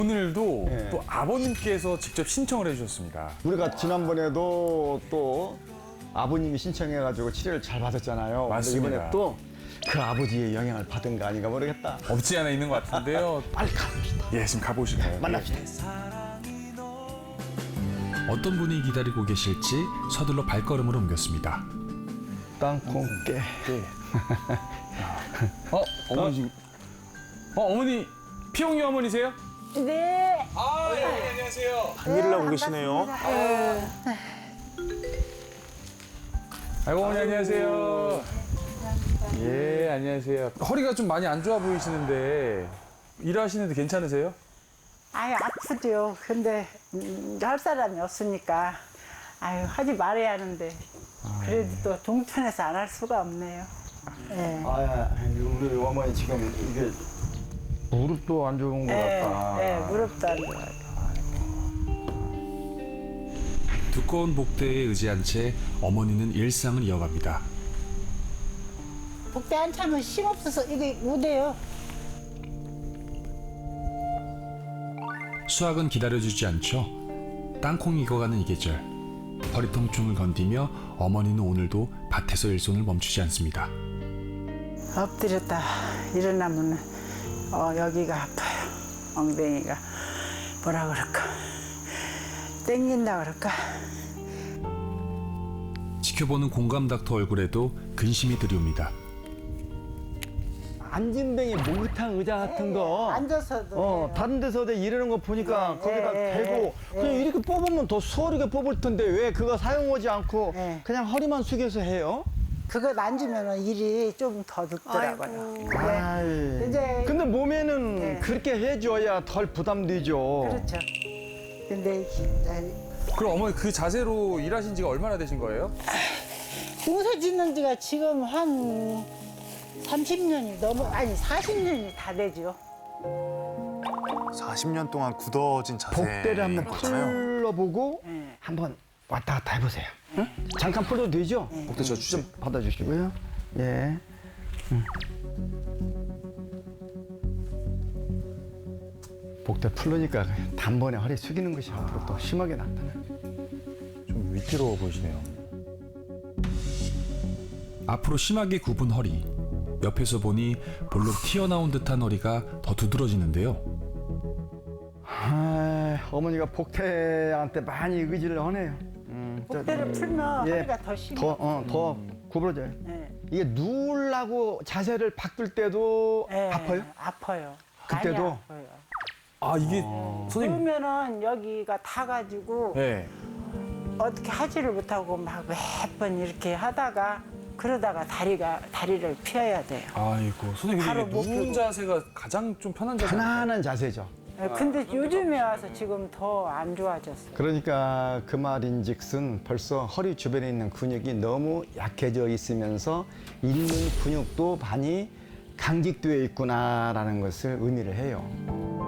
오늘도 네. 또 아버님께서 직접 신청을 해주셨습니다. 우리가 지난번에도 또 아버님이 신청해가지고 치료를 잘 받았잖아요. 근데 맞습니다. 이번에 또 그 아버지의 영향을 받은 거 아닌가 모르겠다. 없지 않아 있는 것 같은데요. 빨리 가봅시다. 예, 지금 가보실까요? 만납시다. 어떤 분이 기다리고 계실지 서둘러 발걸음을 옮겼습니다. 땅콩깨. 예. 어머니 지금. 어머니 피용이 어머니세요? 네. 아, 예, 안녕하세요. 일을 하고 계시네요. 아이고 어머니 안녕하세요. 예, 안녕하세요. 허리가 좀 많이 안 좋아 보이시는데 일하시는데 괜찮으세요? 아유, 아프죠. 근데 할 사람이 없으니까 아유, 하지 말아야 하는데 그래도 또 동천에서 안 할 수가 없네요. 예. 우리 어머니 지금 이게 무릎도 안 좋은 것 같다. 예, 무릎도 안 좋아요. 두꺼운 복대에 의지한 채 어머니는 일상을 이어갑니다. 복대 안 차면 힘 없어서 이게 못해요. 수학은 기다려주지 않죠. 땅콩 익어가는 이 계절. 허리 통증을 건디며 어머니는 오늘도 밭에서 일손을 멈추지 않습니다. 엎드렸다 일어나면 여기가 아파요. 엉덩이가 뭐라 그럴까? 땡긴다 그럴까? 지켜보는 공감 닥터 얼굴에도 근심이 들이옵니다. 앉은뱅이 목욕탕 의자 같은 거. 앉아서도 돼요. 다른 데서 이러는 거 보니까 거기다 대고 그냥 이렇게 뽑으면 더 수월하게 뽑을 텐데 왜 그거 사용하지 않고 네. 그냥 허리만 숙여서 해요? 그거 만지면 일이 좀 더 늦더라고요. 아이. 이제 근데 몸에는 네. 그렇게 해줘야 덜 부담되죠. 그렇죠. 근데 그럼 어머니 그 자세로 일하신 지가 얼마나 되신 거예요? 농사 짓는 지가 지금 한 30년이 넘어, 아니 40년이 다 되죠. 40년 동안 굳어진 자세. 복대를 한번 거잖아요. 풀러보고 네. 한번 왔다 갔다 해보세요. 응? 잠깐 풀어도 되죠? 복대 저 주세요. 좀 받아주시고요. 예. 복대 풀으니까 단번에 허리 숙이는 것이 앞으로 또 심하게 나타나요. 좀 위태로워 보이시네요. 앞으로 심하게 굽은 허리. 옆에서 보니 볼록 튀어나온 듯한 허리가 더 두드러지는데요. 어머니가 복태한테 많이 의지를 하네요. 복대를 풀면 예, 허리가 더 심해. 더 구부러져요. 네. 이게 누우려고 자세를 바꿀 때도 네, 아파요? 아파요. 그때도? 많이 아파요. 아 이게 선생님. 그러면은 여기가 타가지고 네. 어떻게 하지를 못하고 막 몇 번 이렇게 하다가 그러다가 다리를 펴야 돼요. 아이고 선생님 바로 이게 못 누운 펴고. 자세가 가장 좀 편한 자세. 편안한 자세죠. 근데 요즘에 와서 지금 더 안 좋아졌어요. 그러니까 그 말인즉슨 벌써 허리 주변에 있는 근육이 너무 약해져 있으면서 있는 근육도 많이 강직되어 있구나라는 것을 의미를 해요.